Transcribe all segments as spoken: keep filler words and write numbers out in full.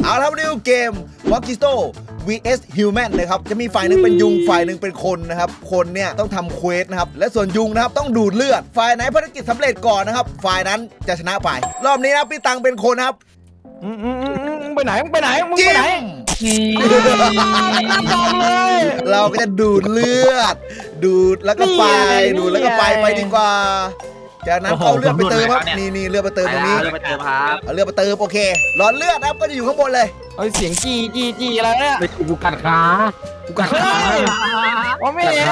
เอาละครับนี่คือเกม Mosquito วี เอส Human นะครับจะมีฝ่ายหนึ่งเป็นยุงฝ่ายหนึ่งเป็นคนนะครับคนเนี่ยต้องทำเควสนะครับและส่วนยุงนะครับต้องดูดเลือดฝ่ายไหนภารกิจสำเร็จก่อนนะครับฝ่ายนั้นจะชนะไปรอบนี้นะพี่ตังเป็นคนนะครับอืมอืมอืมมึงไปไหนมึงไปไหนมึงไปไหนน้ำดำเลยเราก็จะดูดเลือดดูดแล้วก็ไปดูดแล้วก็ไปไปดีกว่าจากนั้นเอาเลือดไปเติมครับนี่นี่เลือดไปเติมตรงนี้เลือดไปเติมครับเอาเลือดไปเติมโอเคหลอดเลือดนะครับก็จะอยู่ข้างบนเลยเอ้ยเสียงจีจีจีอะไรเนี่ยไปกูกัดขากูกัดขาอ๋อไม่เห็น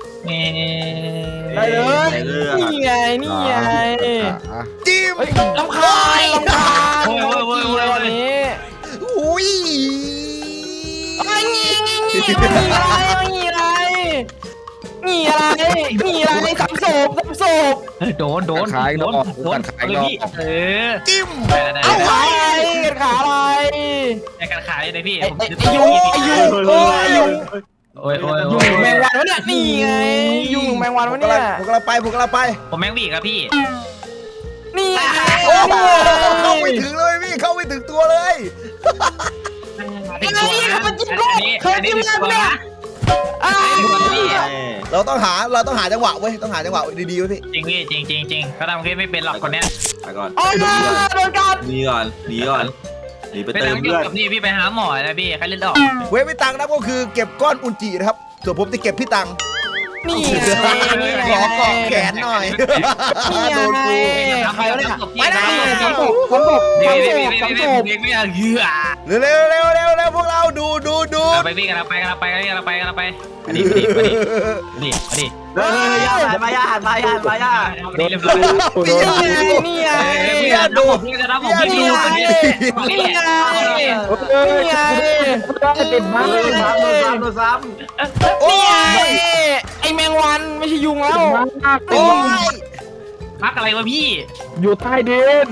ได้เลยนี่ไงนี่ไงจิ้มเฮ้ยลำคาญลำคาญจีอะไรวันนี้อุ้ยไอ้งี้งี้งี้งี้อะไรงี้อะไรงี้อะไรงี้อะไรสามศพสามศพโดนโดนขายนอกกูกัดขายนอกเออจิ้มเอาไว้ขาอะไรในการขายเลยพี่ไอ้ไอ้ยุงไอ้ยุงโอ้ยยุงโอ้ยโอ้ยยุงแมงวันวะเนี่ยนี่ไงยุงแมงวันวะเนี่ยผมกำลังไปผมกำลังไปผมแมงบีครับพี่นี่ไงโอ้โหเข้าไม่ถึงเลยพี่เข้าไม่ถึงตัวเลยไอ้นี่เขามาจิ้มลูกเคยจิ้มแล้วเนี่ยอ้าเราต้องหาเราต้องหาจังหวะเว้ยต้องหาจังหวะดีๆไว้พี่จริงพี่จริงจริงจริงเขาทำเคสไม่เป็นหรอกคนเนี้ยไปก่อนโอ้ยโดนกัดหนีก่อนหนีก่อนหนีไปเป็นเติมน้ำเลืเกี่ยอวดกับนี่พี่ไปหาหมอนะพี่ใครเล่นออกเว้ยพี่ตังนะก็คือเก็บก้อนอุจจินะครับส่วนผมจะเก็บพี่ตังนี่ไงขอเกาะแขนหน่อยนี่ไงโดนกูใครวะเนี่ยไปนะสามศพสามศพเดี๋ยวสามเดี๋ศยวพสามศเดี๋ยวพเดี๋ยวไม่เอาเหี้ยเร็วเร็วเร็วเร็วเร็วพวกเราดูดูดูไปพี่กันไปกันไปกันไปกันไปกันไปอันนี้อันนี้อันนี้อันนี้เฮ้ยย่าหันมาย่าหันมาย่าหันมาย่าอันนี้เรียบร้อยพี่ยานี่ไงพี่จะดูพี่จะรับผมพี่ดูคนนี้นี่ไงนี่ไงติดมากโดนซ้ำโดนซ้ำโดนซ้โอ้นี่ไงยไอแมงวันไม่ใช่ยุงแล้วโอ้ยพักอะไรวะพี่อยู่ใต้ดิน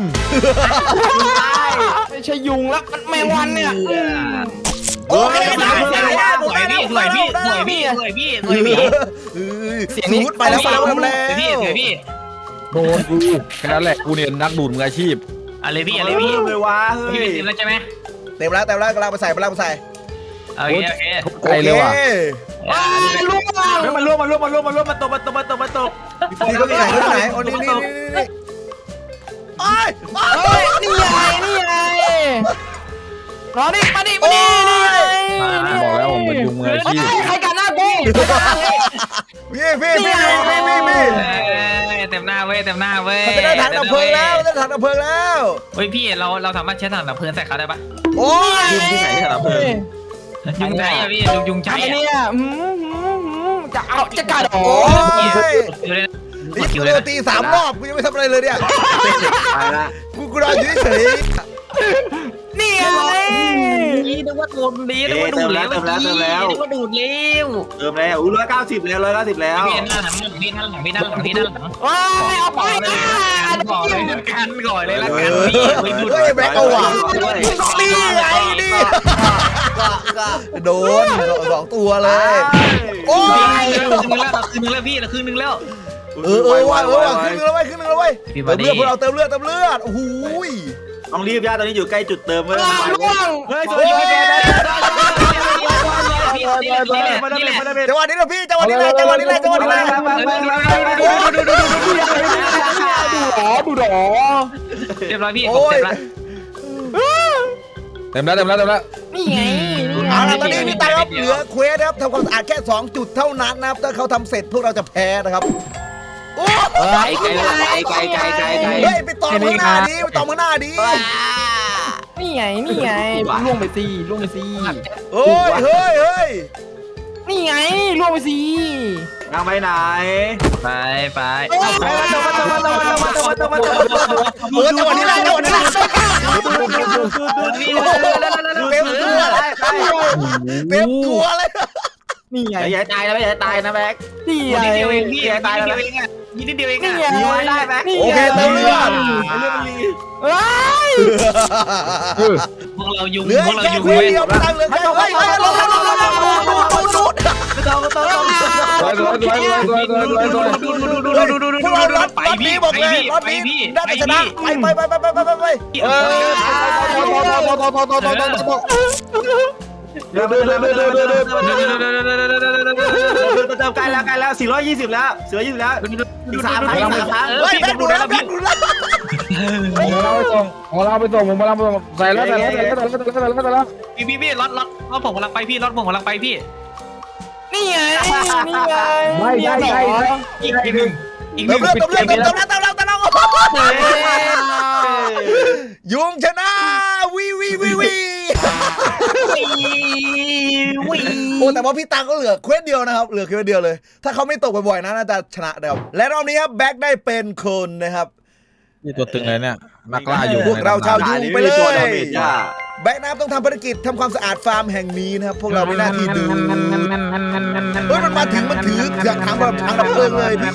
ไม่ใช่ยุงแล้วมันแมงวันเนี่ยโอ้ยสวยพี่สวยพี่สวยพี่สวยพี่สวยพี่สูดไปแล้วไปแล้วไปแล้วพี่สวยพี่โดนกูแค่นั้นแหละกูเนี่ยนักดูดมืออาชีพอะไรำพี่อะไรพี่เลยวะเฮ้พี่ยเป็นทีมแล้วใช่ไหมเต็มแล้วเต็มแล้วกำลังไปใส่กำลังไปใส่โอเคโอเคใจเลยว่ะว้ายลูกเฮ้ยมันร่วงมันร่วงมันร่วงมันร่วงมันตกมันตกมันตกมันตกนี่ก็ไปไหนก็ไปไหนโอ้นี่นี่นี่นี่โอ้ยเฮ้ยนี่ไงนี่ไงรอนี่มาดิมาดินี่ไงบอกแล้วว่ามันยุงมืออาชีพใครกันหน้ากูพี่พี่พี่พี่พี่พี่เต็มหน้าเว้ยเต็มหน้าเว้ยมันจะได้ถังดับเพลิงแล้วได้ถังดับเพลิงแล้วเฮ้ยพี่เราเราสามารถใช้ถังดับเพลิงใส่เขาได้ปะโอ้ยยุงที่ไหนที่สารเพลิงยุงใช้อะพี่ยุงยุงใช้ไอ้อะเนี่ยจะเอาจะกัดโอ้โอ้ยคิวเลยนี่คิกูวโดเลยนตีสามรอบกูยังไม่ทำอะไรเลยเนี่ยไปละกูกูรออยู่เฉยนี่ไงนี่นึกว่าดูดนี้นึกว่าดูดแล้วนึกว่าดูดแล้วเติมแล้วอุ้ยร้อยเก้าสิบแล้วร้อยเก้าสิบแล้วพี่นั่นหลังพี่นั่นหลังพี่นั่นหลังพี่นั่นหลังว้ายเอาไปก่อนเลยกันก่อนเลยละกันพี่ไปดูดเฮ้ยแบกเอาว่ะนี่ไงนี่โดนสองตัวเลยโอ้ยคืนนึงแล้วคืนนึงแล้วพี่คืนนึงแล้วเออเออว่ะเออว่ะขึ้นนึงแล้วเว้ยขึ้นนึงแล้วเว้ยเติมเลือดพวกเราเติมเลือดเติมเลือดโอ้โหต้องรีบย่าตอนนี้อยู่ใกล้จุดเติมเว้ยล่วงเฮ้ยสวยสวยจังหวะนี้นะพี่จังหวะนี้เลยจังหวะนี้เลยจังหวะนี้เลยดูดูดูดูดูหรอดูหรอเรียบร้อยพี่ผมเสร็จละเต็มแล้วเต็มแล้วเต็มแล้วนี่ไงเอาล่ะตอนนี้พี่ตังครับเหลือเควสนะครับทำความสะอาดแค่สองจุดเท่านั้นนะครับถ้าเขาทำเสร็จพวกเราจะแพ้นะครับโอ้ไก่ไกลไกลไกลไกลไกลเฮ้ยไปต่อมือหน้าดีไปต่อมือหน้าดีนี่ไงนี่ไงล่วงไปสิล่วงไปสิเฮ้ยเฮ้ยเฮ้ยนี่ไงล่วงไปสินั่งไปไหนไปไปเออจังหวะนี้แหละจังหวะนี้แหละเต็มตัวเลยเต็มตัวเลยนี่ไงอย่าตายนะไม่อย่าตายนะแบ็คนี่ไงนิดเดียวเองพี่นิดเดียวเองอ่ะนิดเดียวเองนี่อ่ะไงมีไว้ได้แบ็คโอเคเติมเลือดเลือดมันรีเฮ้ยพวกเรายุงเหลือพวกเราแค่ยุงเควสเว้ยเดียวพี่ตังเหลือแค่เฮ้ยเฮ้ยลงลงลงลงลงลงลงตรงตรงตรงสวยสวยสวยสวยสวยสวยสวยดูดูดูดูดูดูดูพวกเรารถไปรถพี่นี้บอกเลยไปรถนี้พี่น่าจะชนะไปไปไปไปไปไปไปเออเดินเดินเดินเดินเดินเดินเดินเติมใกล้แล้วใกล้แล้วสี่ร้อยยี่สิบแล้วสี่ร้อยยี่สิบแล้วอีกสามครั้งอีกสามครั้งเฮ้ยแบกดูแล้วแบกดูแล้วผมมาเล่าไปส่งผมมาเล่าไปส่งผมมาเล่าไปส่งใส่แล้วใส่แล้วใส่แล้วใส่แล้วใส่แล้วใส่แล้วพี่พี่พี่รถรถรถผมกำลังไปพี่รถผมกำลังไปพี่นี่ไงนี่ไงไม่ใช่ใช่อีกอีกหนึ่งอีกหเตินึ่มงเลือดเติมเลือดเติมเลือดเติมเลือดเติมเลือดยุงชนะวีวีวีวีโอ้แต่ว่าพี่ตังก็เหลือเควสเดียวนะครับเหลือเควสเดียวเลยถ้าเขาไม่ตกบ่อยๆนะน่าจะชนะนะครับและรอบนี้ครับแบ็คได้เป็นคนนะครับนี่ตัวตึงเลยเนี่ยนักล่าอยู่พวกเราชาวยุงไปเลยตัวดาเมจย่าแบ็คนะครับต้องทำภารกิจทำความสะอาดฟาร์มแห่งนี้นะครับพวกเรามีหน้าที่ดูเฮ้ยมันมาถึงมันถือเครื่องถังแบบถังดับเพลิงเลยพี่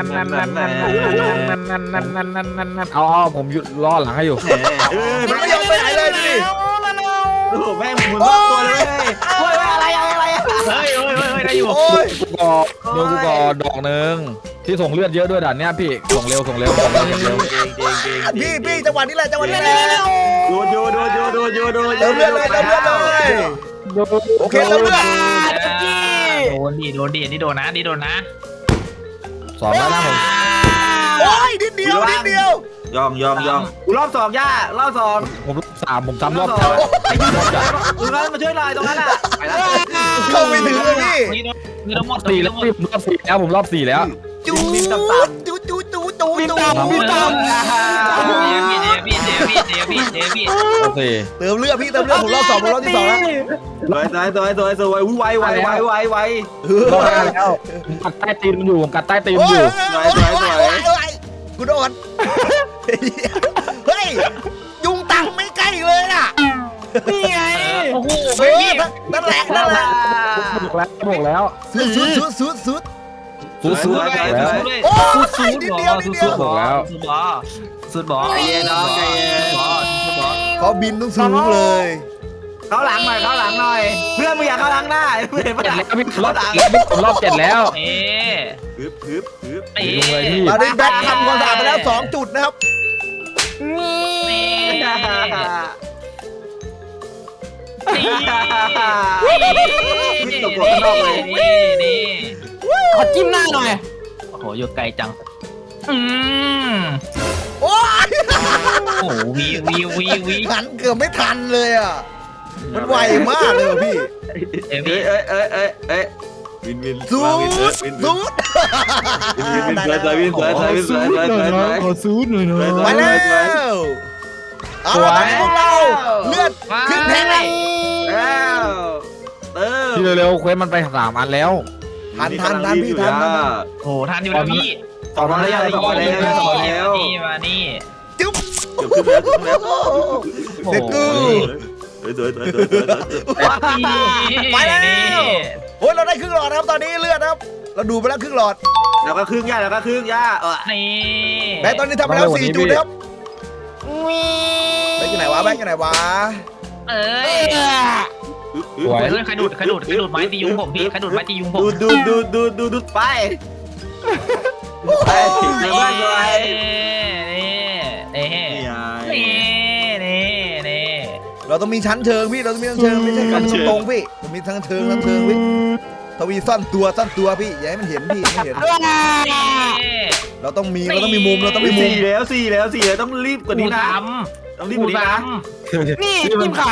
เอาเอาผมหยุดล้อหลังให้อยู่เออมันไม่ยอมไปไหนเลยพี่โอ้โหแม่งหมุนรอบตัวเลยเฮ้ยอะไรอะไรเฮ้ยเฮ้ยเฮ้ยได้อยู่โอ้ยกูกอเดี๋ยวกูกอดอกหนึ่งที่ส่งเลือดเยอะด้วยด่านเนี้ยพี่ส่งเร็วส่งเร็วส่งเร็วส่งเร็วพี่พี่จังหวะนี้แหละจังหวะนี้แหละดูดูดูดูดูดูดูเติมเลือดเลยเติมเลือดเลยโอเคเติมเลือดโดนดิโดนดินี่โดนนะนี่โดนนะสองแล้วนะผมโอ้ยนิดเดียวนิดเดียวยองยองยองกูรอบสองย่ารอบสองผมรอบสามผมซ้ำรอบสองไอ้ยูรอบสองตรงนั้นมาช่วยหน่อยตรงนั้นอ่ะไปแล้วเข้าไม่ถึงเลยพี่นี่โดนนี่โดนหมดสี่แล้วพี่ผมรอบสี่แล้วผมรอบสี่แล้วจูจูจูจูจูจูพี่ตามพี่เจพี่เจพี่เจพี่เจพี่โอเคเติมเลือดพี่เติมเลือดผมรอบสองผมรอบที่สองแล้วสวยสวยสวยสวยสวยไวไวไวไวไวรอบห้าแล้วผมกัดใต้ตีนมันอยู่ผมกัดใต้ตีนโอ้มันยอยู่โอ้ยโอ้ยโอ้ยโอ้ยกูโดนเฮ้ยยุงตังไม่ใกล้เลยน่ะนี่ไงโอ้โหเออนั่นแหละนั่นแหละบอกแล้วบอกแล้วสุดสุดสุดสุดสุดสู้สู้เลยแล้วเลยโอ้ยนิดเดียวนิดเดียวสุดบอสุดบอสุดบอใจเย็นน้องใจเย็นสุดบอเขาบินต้องสูงเลยเข้าหลังหน่อยเข้าหลังหน่อยเพื่อนมึงอยากเข้าหลังหน้าเพื่อนเจ็มาดหลังแล้วพี่รอบเจ็ดแล้วพี่ผมรอบเจ็ดแล้วเอ๊ะฮึบฮึบฮึบเอ๊ดูเลยพี่ตอนนี้แบ็คทำความสะอาดไปแล้วสองจุดนะครับนี่นี่ขอจิ้มหน้าหน่อยโอ้โหอยู่ไกลจังอืมโอ้ยโอ้วีวีวีวีหันเกือบไม่ทันเลยอ่ะมันไวมากเลยพี่เอ้ยเอ้ยเอ้ยเอ้ยเอ้ยเอ้ยวินวินสูดวินวินสูดวินวินสวยสวยวินสวยสวยสวยสวยสวยขอซูดหน่อยนะไปแล้วเอาละตอนนี้พวกเราเลือดขึ้นแทงเลยแล้วเติมพี่เร็วๆเควสมันไปสามอันแล้วทันทันทันพี่ทันทันโอ้ทันอยู่แล้วพี่สองแล้วสองแล้วสองแล้วนี่มานี่จุ๊บเกือบขึ้นแล้วขึ้นแล้วเด็กกูสวยสวยสวยสวยไปแล้วโอ้ยเราได้ครึ่งหลอดนะครับตอนนี้เลือดนะครับเราดูไปแล้วครึ่งหลอดแล้วก็ครึ่งย่าแล้วก็ครึ่งย่าเออนี่แบงค์ตอนนี้ทำไปแล้วสี่จุดนะครับแบงค์อยู่ไหนวะแบงค์อยู่ไหนวะเอ้ยสวยเฮ้ยใครดูดใครดูดใครดูดไม้ตียุงผมพี่ใครดูดไม้ตียุงผมดูดูดูดูดูดูไปไปเดี๋ยวบ้านเลยนี่นี่นี่นี่นี่เราต้องมีชั้นเชิงพี่เราต้องมีชั้นเชิงไม่ใช่กันตรงๆพี่ต้องมีทั้งเชิงทั้งเชิงพี่ทวีซ่อนตัวซ่อนตัวพี่อย่าให้มันเห็นพี่ไม่เห็น เราต้องมีเราต้องมีมุมเราต้องมีมุมสี่แล้วสี่แล้วสี่แล้วต้องรีบกว่านี้นะทต้องรีบำกว่านี้นะนี่จิ้มขา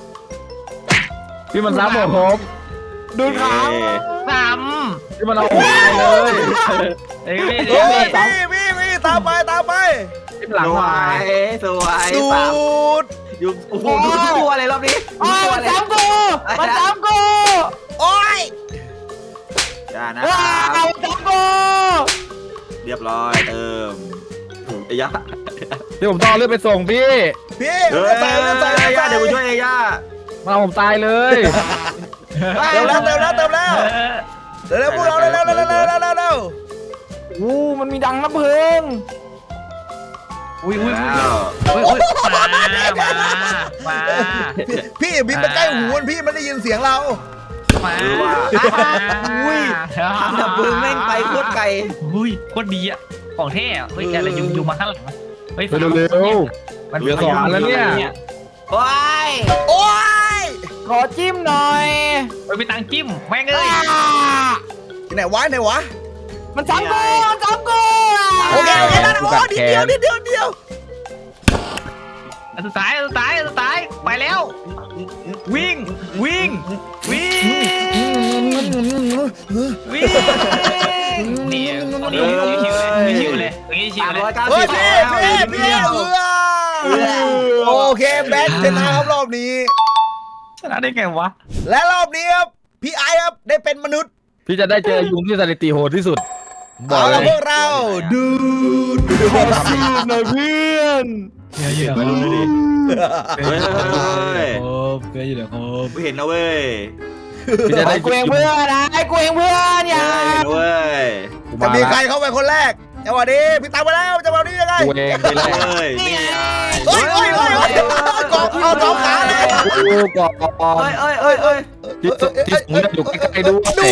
พี่มันซ้ำผมผมดูขาทพี่มันเอาผมตายเลยำเอ้ยโอ้ยพี่พี่พี่ตามไปตามไปพี่หลังสวมายสวยสูสามดอยู่โอ้โหดูทุกตัวเลยรอบนี้อ๋อมาซ้ำกูมาซ้ำกูโอ้ยอย่านะว้าวซ้ำกูเรียบร้อยเติมไอ้ย่าพี่ผมต้องเอาเลือดไปส่งพี่พี่เฮ้ยใส่ใส่ใส่ย่าใส่เดี๋ยวกูช่วยไอ้ย่ามันเอาผมตายเลยเติมแล้วเติมแล้วเติมแล้วเร็วๆพวกเราเร็วๆเร็วๆเร็วๆเร็วๆเร็วๆเร็วอู้มันมีดังน้ำเพลิงอุ้ยอุ้ยแล้วอุ้ยอุ้ยมามามาๆพี่พี่อย่าบินไปใกล้หูมันพี่มันได้ยินเสียงเรามาเออว่ะอุ้ยทำดับเพลิงแม่งไปโคตรไกลอุ้ยโคตรดีอ่ะของเท่อะเฮ้ยอะไรยุงยุงมาข้างหลังเฮ้ยไปเร็วมันเหลือสองอันแล้วเนี่ยโอ้ยโอ้ยขอจิ้มหน่อยเฮ้ยไปตังจิ้มแม่งเอ้ยที่ไหนวะไหนวะมันซ้ำกูมันซ้ำกูโอเคโอเคนั่นโอ้นิดเดียวนิดเดียวนิดเดียวอันสุดท้ายอันสุดท้ายอันสุดท้ายไปแล้ว วิ่งวิ่งวิ่งวิ่งนี่ตรงนี้ชิวๆเลยตรงนี้ชิวสามๆเลยร้อยเก้าเฮ้สิยบพี่แล้วพี่พี่เออโอเคแบงค์ชนะครับรอบนี้ชนะได้ไงวะและรอบนี้ครับพี่ไอครับได้เป็นมนุษย์พี่จะได้เจอยุงที่สถิติโหดที่สุดบอเอากเลละยพวกเราดูดูขอจิ้มหน่อยเพื่อนไปดูดิเฮ้ยเกยอยู่เดี๋ยวครับไม่เห็นนะเว้ยพี่จะได้ไอ้กูเองเพื่อนนะไอ้กูเองเพื่อนอย่าไม่เห็นนะเว้ยจะมีใครเข้าไปคนแรกจังหวะนี้พี่ตามไปแล้วจังหวะนี้ยังไงกูเองไปแล้วเฮ้ยนี่ไงเฮ้ยเฮ้ยเฮ้ยเฮ้ยกอบเอาสองขาเลยกูก่อนเอ้ยเอ้ยเอ้ยเอ้ยที่สุดที่สูงอยู่ใกล้ๆด้วยดู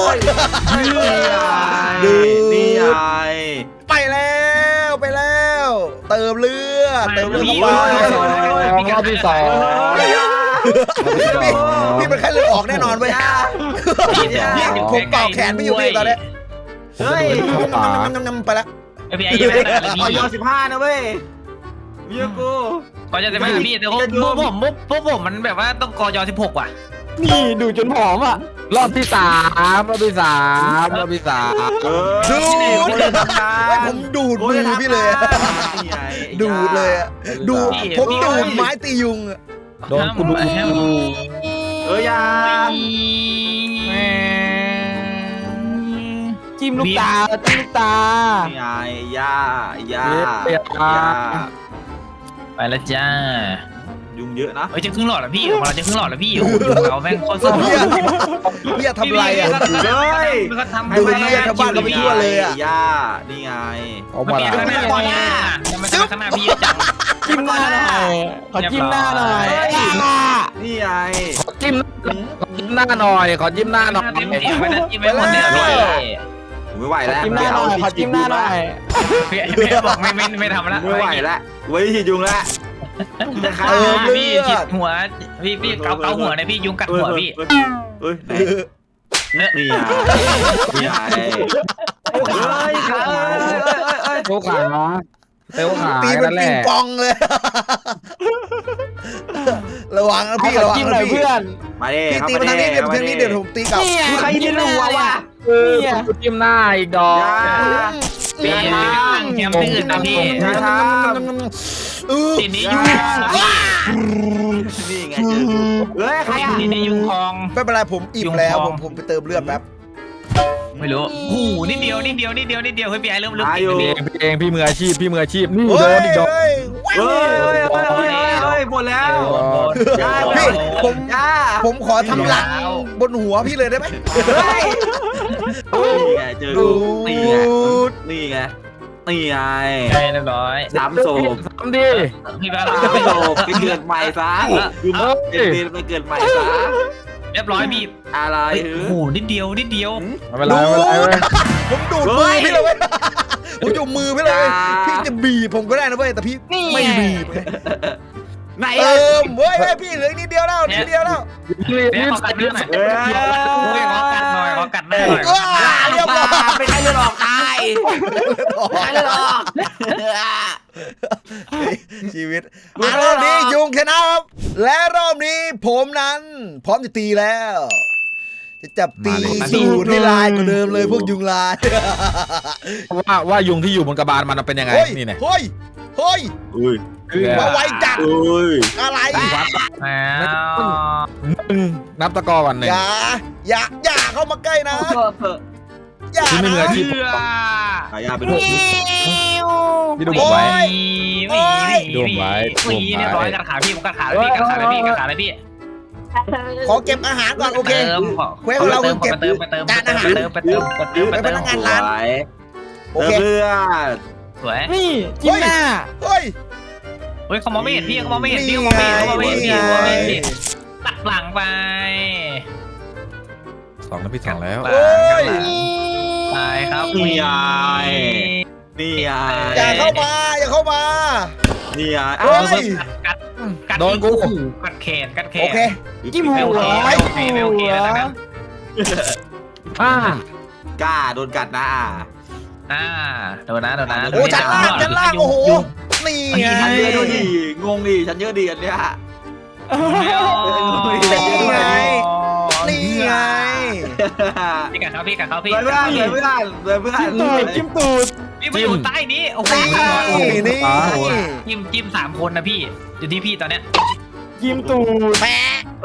ดูนี่ไงไปแล้วไปแล้ว เติมเลือดเติมเลือดเข้าไปรอบที่สองพี่พี่เป็นแค่เลือดออกแน่นอนเว้ยพี่ผมเป่าแขนไม่อยู่พี่ตอนนี้เฮ้ยน้ำน้ำไปแล้วไอพี่ไอ้ยังไม่ได้อะไรออยพี่สิบห้านะเว้ยเมียกูก่อนจะไม่พี่แต่พวกผมพวกผมมันแบบว่าต้องกอยสิบหกว่ะนี่ดูจนผอมอ่ะรอบที่สามรอบที่สามรอบที่สามดูผมดูดมือพี่เลยดูดเลยดูดผมดูดไม้ตียุงโดนกูดูเอ้ยยาจิ้มลูกตาจิ้มลูกตานี่ไงยายาไปแล้วจ้ายุงเยอะนะเฮ้ยจะครึ่งหลอดแล้วพี่ออกมาจะครึ่งหลอดแล้วพี่โอ้โหเราแม่งโคตรสุดพี่ทำไรอ่ะเฮ้ยก็ทำดูเรียกชาวบ้านเราไปทั่วเลยอ่ะยานี่ไงออกมาพี่แล้วข้างหน้าก่อนหน้าทำไมข้างหน้าพี่จังจิ้มหน้าหน่อยขอจิ้มหน้าหน่อยนี่ไงขอจิ้มขอจิ้มหน้าหน่อยขอจิ้มหน้าหน่อยเต็มที่ไม่ได้จิ้มไม่หมดเลยพี่ไม่ไหวแล้วจิ้มหน้าหน่อยขอจิ้มหน้าหน่อยพี่พี่บอกไม่ไม่ไม่ทำแล้วไม่ไหวแล้วไว้ที่ยุงแล้วจะฆ่าพี่ฉีดหัวพี่พี่เกาเกาหัวนะพี่ยุงกัดหัวพี่เฮ้ยนี่ไงนี่ไงเฮ้ยเฮ้ยเฮ้ยโชว์ขาเตวขาตีเป็นนั่นแหปิงละปองเลยระวังนะพี่ขอระวังจิ้มหนะน่อยพี่เพื่อนมาดิพี่ตีมาทางนี้เดี๋ยวทางนี้เดี๋ยวผมตีกลับใครที่รัวว่ะเนี่ยกูจิ้มหน้าอีกดอกพี่แคมป์ตื่นนะพี่อย่าททีนี้ยุงำนี่ไงเจอเฮ้ยใครอ่ะทีนี้ยุงคลองไม่เป็นไรผมอิ่มแล้วผมผมไปเติมเลือดแป๊บไม่รู้โอ้โหนิดเดียวนิดเดียวนิดเดียวนิดเดียวเฮ้ยพี่ไอ้เริ่มเริ่มติดพี่เองพี่เองพี่มืออาชีพพี่มืออาชีพนี่เฮ้โดยนอีกดอกเฮ้ยเฮ้ยเฮ้ยเฮ้ยเฮ้ยหมดแล้วพี่ผมย่าผมขอทำรังบนหัวพี่เลยได้ไหมเฮ้ยนี่ไงเจอดูนี่ไงดนี่ไงนี่ไงใช่เรียบร้อยสามโศกทำดิพี่บ้าสามโศกไปเกิดใหม่ซะเป็นไปเกิดใหม่ซะเรียบร้อยพี่อะไรโอ้โหนิดเดียวนิดเดียวไม่เป็นไรไม่เป็นไรเว้ยผมดูดมือพี่เลยเว้ยผมดูดมือพี่เลย พี่จะบีบผมก็ได้นะเว้ยแต่พี่ไม่บีบไหนเติมเว้ยพี่เหลือนิดเดียวแล้วนิดเดียวแล้วเดี๋ยวขอกัดเนื้อหน่อยเฮ้ยขอกัดหน่อยขอกัดหน้าหน่อยว้าเรียบร้อยเป็นไข้เลือดออกตายไข้เลือดออกชีวิตอ่ะรอบนี้ยุงชนะครับและรอบนี้ผมนั้น พร้อมจะตีแล้ว จะจับตีสูตรให้ลายกว่าเดิมเลยพวกยุงลายว่าว่ายุงที่อยู่บนกระบาลมันเป็นยังไงเฮ้ยนี่เนี่ยเฮ้ยเฮ้ยอุ้ยมาไวจัดอุ้ยอะไรอ้าวหนึ่งนับตะกอวันหนึ่งอย่าอย่าอย่าเข้ามาใกล้นะอย่าที่ไม่เหมือนนะที่เชื่อขายาเป็นหกพี่ดูผมไว้หวีหวีดูไว้หวีเรียบร้อยกัดขาพี่ผมกัดขาเลยพี่กัดขาเลยพี่กัดขาเลยพี่ขอเก็บอาหารก่อนโอเคเติมขอเควสของเราคือเก็บไปเติมไปเติมจานอาหารไปเติมไปเติมไปเติมไปไปเติพมนักงานร้าน โอเคเพื่อนสวยนี่จิ้มหน้าเฮ้ยเฮ้ยเขามองไม่เห็นพี่เขามองไม่เห็นพี่เขามองไม่เห็นเขามองไม่เห็นพี่เขามองไม่เห็นพี่ตัดหลังไปสองแล้วพี่สองแล้วหลังโอ้ยตายครับนี่ไงนี่ไงอย่าเข้ามาอย่าเข้ามานี่ไงเฮ้ยกัดกัดโดนกูกัดแขนกัดแขนโอเคจิ้มหัไม่โอวเคไม่โอเคไม่โอเคแล้วนะอ่ากล้าโดนกัดนะอ่าโดนนะโดนนะโอ้ชั้นล่างชั้นล่างโอ้โหนี่ไงฉันเยอะด้วยดิงงดิฉันเยอะดิอันเนี้ยนี่ไงนี่ไงพี่กัดเขาพี่กัดเขาพี่เพื่อนเพื่อนเพื่อนเพื่อนเพื่อนตูดจิ้มตูดพี่มาอยู่ใต้นี้โอ้โหนี่นี่จิ้มจิ้มสามคนนะพี่อยู่ที่พี่ตอนเนี้ยจิ้มตูดแปะ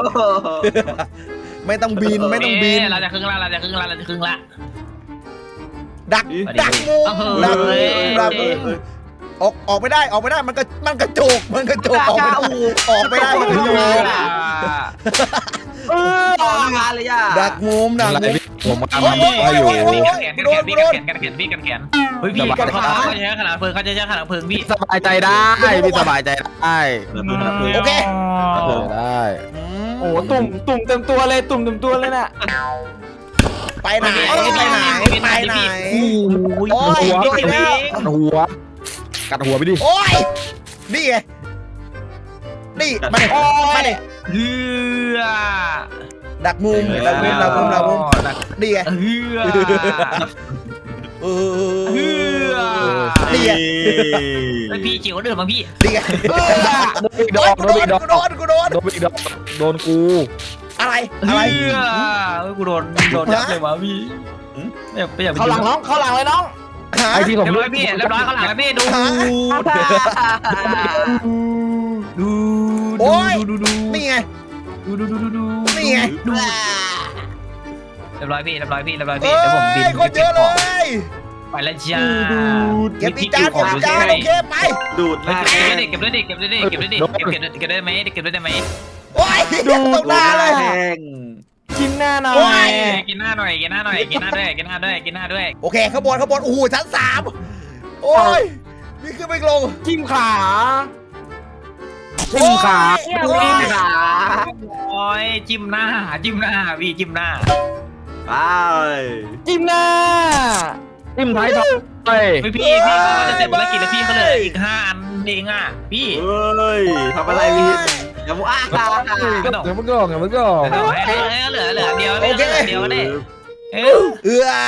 ไม่ต้องบินไม่ต้องบินเราจะครึ่งละเราจะครึ่งละเราจะครึ่งละดักดักมุมดักมุมดักมุมออกออกไม่ได้ออกไม่ได้มันก็มันกระโจกมันกระโจกออกไม่ได้ออกไม่ได้มันกระโจกเออต่องานเลยอ่ะดักมุมดักอะไรมุมพี่ผมกำลังโอ้ทำยอะไรอยู่โอ้ยโอ้ยกัดแขนกัดแขนพี่กัดแขนกัดแขนพี่กัดแขนเฮ้ยพี่กัดขาเขาจะใช้ขนาดเพลิงเขาจะใช้ขนาดเพลิงพี่สบายใจได้พี่สบายใจได้โอเคได้โอ้ตุ่มตุ่มเต็มตัวเลยตุ่มเต็มตัวเลยน่ะไปไหนไปไหนไปไหนโอ้ยโอ้ยโดนแล้วกัดหัวกัดหัวไปดิโอ้ยนี่ไงนี่มาดิมาดิเฮือดักมุมดักมุมดักมุมดักมุมนี่ไงเฮือเอเฮืออนี่ไงไอพี่จิ๋วเดินมาพี่นี่ไงโดนอีกดอกกูโดโดนอีนกดอกกูโดนกูโดนโดนอีกดอกโดนกูอะไรเฮือะไรอกูโดนโดนยับเลยวะพี่ไม่อยากไม่อยากเขาหลังน้องเขาหลังเลยน้องหาไอที่ผมเรียบร้เลืออย กพี่เรียบร้อยข้างหลังพี่ดูดูโอ้ยดูดูนี่ไงดูดูดูดูดูนี่ไงดูเรียบร้อยพี่เรียบร้อยพี่เรียบร้อยเอ้พี่เดี๋ยวผมบินยคนเยอะเลยไปแล้วจ้าเก็บอีกจานเก็บอีกจานโอเคไปดูดเก็มาบได้ดิเก็บได้ดิเก็บได้ดิเก็บได้ดิเก็บเก็บเก็บได้ไหมเก็บได้ไหมโอ้ยตรงหน้าเลยแห้งจิ้มหน้าหน่โอ้อย ยกินหน้าหน่อยกินหน้าหน่อยกินหน้าด้วยกินหน้าด้วยกินหน้าด้วยโอเคข้างบนข้างบนโอ้โหชั้นสามโอ้ยนี่ขึ้นไปลงจิ้มขาจิ้มขาโอ้ยจิ้มขาโอ้ยจิ้มหน้าจิ้มหน้าพี่จิ้มหน้าไปจิ้มหน้าจิ้มท้ายทอยพี่พี่พี่เขาจะเสร็จภารกิจแล้วพี่เขาเลยอีกห้าอันเองอ่ะพี่เฮ้ยทำอะไรวินอย่ามัวอ้าเดี๋ยวมันก็เดี๋ยวมันก็เหลือเหลือเหลือเดียวเดียวเนี่ยเออเอื้อ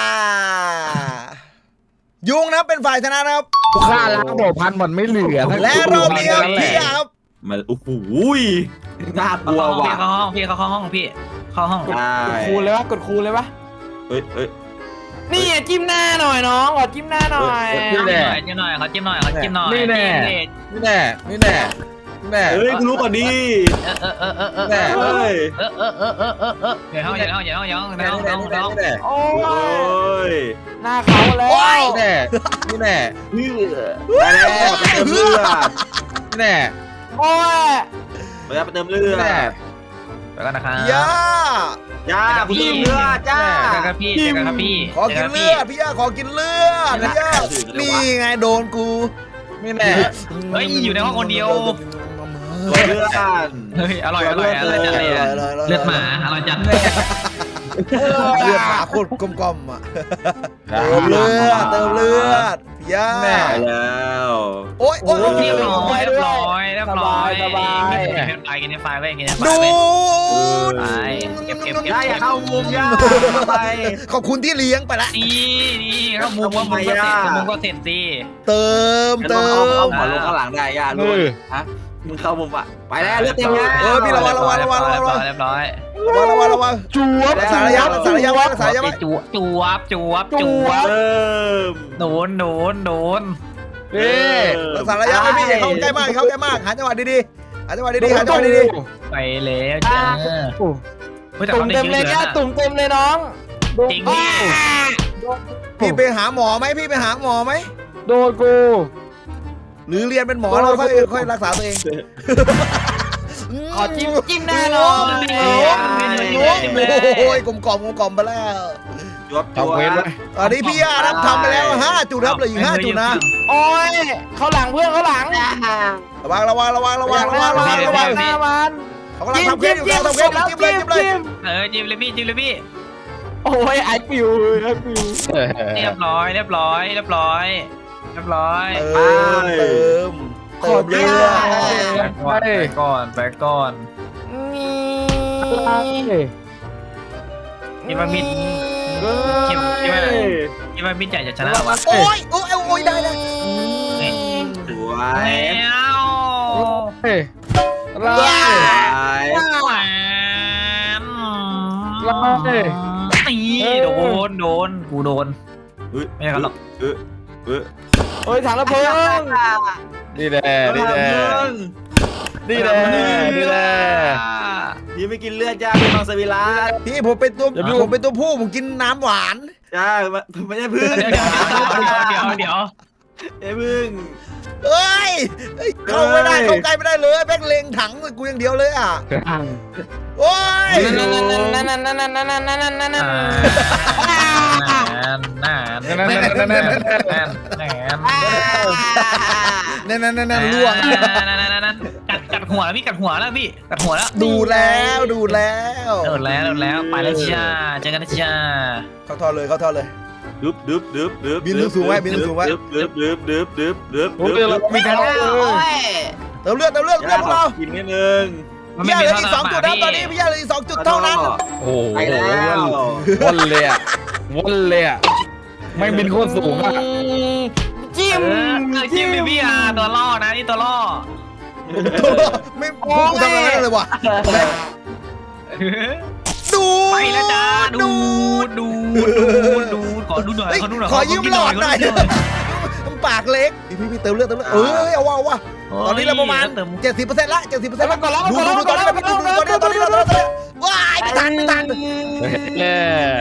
ยุงนะเป็นฝ่ายชนะนะครับค่าล้างบ่อพันมันไม่เหลือและรอบนี้ครับพี่ครับมันโอ้โหน่ากลัวพี่ว่ะเข้าห้องพี่เข้าห้องพี่เข้าห้องกดคูณเลยวะกดคูณเลยวะเฮ้ยเฮ้ยนี่อ่ะจิ้มหน้าหน่อยน้องขอจิ้มหน้าหน่อยจิ้มหน่อยจิ้มหน่อยเขาจิ้มหน่อยเขาจิ้มหน่อยนี่แน่นี่แน่นี่แน่นี่แน่เฮ้ยกูรู้ก่อนดิเออเออเออเออเออแน่เฮ้ยเออเออเออเออเออเอออย่าห้องอย่าห้องอย่าห้องอย่าห้องแน่น้องแน่น้องน้องแน่โอ้โอ้ยยหน้าเขาแล้วแน่นี่แน่เฮ้ยไปแล้วไปเติมเลือดแน่โอ้ยไปแล้วไปเติมเลือดแน่แล้วกันนะครับย่าย่ากูเติมเลือดจ้าเจอกันพี่เจอกันครับพี่ขอกินเลือดพี่ย่าขอกินเลือดพี่ย่านี่ไงโดนกูนี่แน่เฮ้ยอยู่ในห้องคนเดียวเติมเลือดเฮ้ยอร่อยอร่อยอร่อยจัดเลยเลือดหมาอร่อยจัดเลือดหมาโคตรกลมๆอ่ะเติมเลือดเติมเลือดพี่ย่าไปแล้วโอ้ยโอ้ยเรียบร้อยเรียบร้อยเรียบร้อยกินไฟกินไฟไว้กินไฟดูไว้ดไปเก็บเก็บเก็บย่าอย่าเข้ามุมย่าไปขอบคุณที่เลี้ยงไปละนี่นี่เข้ามุมว่ามุมก็เสร็จมุมก็เสร็จสิเติมเติเติมเอามหัวลงข้างหลังได้ย่ารู้ฮะมึงเข้ามุมอ่ะไปแล้วเลือดเต็มแล้วเออพี่ระวังระวังระวังระวังระวังเรียบร้อยระวังระวังระวังจวบรักษาระยะรักษาระยะไว้รักษาระยะไว้จวบจวบจวบจวบเติมโดนโดนโดนเอ๊ะรักษาระยะไว้พี่อย่าเข้าใกล้มากอย่าเข้าใกล้มากหาจังหวะดีๆหาจังหวะดีๆหาจังหวะดีไปแล้วจ้าเฮ้ยแต่ตุ่เขามได้เต็มเยเลยอะแค่นะตุ่มเต็มเลยน้องจริงพี่ๆพี่ไปหาหมอไหมพี่ไปหาหมอไหมโดนกูหรือเรียนเป็นหมอแล้วค่อยค่อยรักษาตัวเองขอจิ้มจิ้มหน้าน้องโอ้ยกลมกล่อมกลมกล่อมไปแล้วยศตัวทำเว้นไว้ตอนนี้พี่อารับทำไปแล้วห้าจุดครับเหลืออีกห้าจุดนะโอ้ยเขาหลังเพื่อนเขาหลังระวังระวังระวังระวังระวังระวังระวังหน้ามันเขากำลังทำเควสอยู่เขาทำเควสอยู่จิ้มเลยจิ้มเลยเออจิ้มเลยพี่จิ้มเลยพี่โอ้ยไอปิวไอปิวเรียบร้อยเรียบร้อยเรียบร้อยเรียบร้อยเติมเติมเติมเลือดไปก่อนไปก่อนคิดว่ามิดคิดคิดว่าคิดว่ามิดใหญ่จะชนะวะโอ้ยโอ้ยโอ้ยได้ได้สวยแล้วเฮ้ยไล่สวยแหวนไล่นี่โดนโดนกูโดนอุ๊ยไม่ใช่เขาหรอกเออเออโอ้ยถังระเบิดนี่แหละนี่แหละนี่แหละนี่แหละพี่ไม่กินเลือดจ้าพี่มังสวิรัตพี่ผมเป็นตัวผมเป็นตัวผู้ผมกินน้ำหวานจ้าไม่ใช่พึ่งเดี๋ยวเดี๋ยวเดี๋ยวเดี๋ยวไอ้พึ่งเอ้ยเอ้ยเข้าไม่ได้เข้าใกล้ไม่ได้เลยแบงเล็งถังกูอย่างเดียวเลยอ่ะโอ้ยนั่นนั่นนั่นนั่นนั่นนั่นนั่นนั่นนั่นนั่นนั่นนานนานนานนานนานนานนั่นนั่นนั่นนั่นล่วงกัดกัดหัวแล้วพี่กัดหัวแล้วพี่กัดหัวแล้วดูแล้วดูแล้วโดนแล้วโดนแล้วไปแล้วจ้าเจอกันนะจ้าเข้าท่อเลยเข้าท่อเลยดึบดึบดึบดึบบินสูงไว้บินสูงไว้ดึบดึบดึบดึบดึบดึบโอ้ยเราไม่ทันเลยเติมเลือดเติมเลือดเลือดพวกเรากินนิดนึงพี่ยาเหลืออีกสองจุดนะตอนนี้พี่ยาเหลืออีกสองจุดเท่านั้นโอ้โหไปแล้ววนเลยอ่ะวนเลยอ่ะไม่บินโคตรสูงอ่ะจิ้มจิ้มพี่อาตัวล่อนะนี่ตัวล่อไม่พวกกูทำอะไรเลยว่ะดูไปแล้วจ้าดูดูดูดูขอดูหน่อยขอดูหน่อยขอยืมหลอดหน่อยปากเล็กพี่พี่เติมเลือดเติมเลือดเออเอาว่าว่าตอนนี้เราประมาณเจ็ดสิบเปอร์เซ็นต์ละเจ็ดสิบเปอร์เซ็นต์ละดูดูดูตอนนี้เราดูดูตอนนี้ตอนนี้เราตอนนี้ว้ายไม่ทันไม่ทันเย้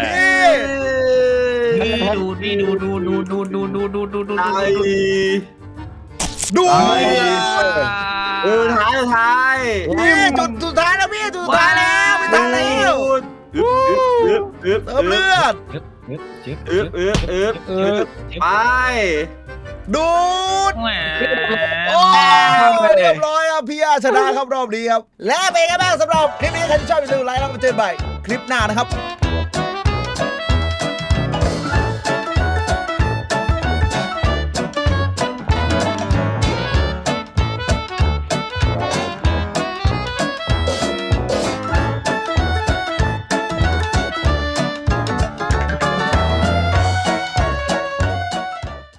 ดูนี่ดูดูดูดูดูดูดูดูดูไอ้ดูเออท้ายท้ายพี่จุดสุดท้ายแล้วพี่จุดสุดท้ายแล้วไม่ทันแล้วอึ๊บอึ๊บอึ๊บเติมเลือดอึ๊บอึ๊บอึ๊บอึ๊บไปดูดแหมโอ้เรียบร้อยครับพี่อาชนะครับรอบนี้ครับและเป็นไงบ้างสำหรับคลิปนี้ใครที่ชอบอย่าลืมไลค์แล้วมาเจอกันใหม่คลิปหน้านะครับ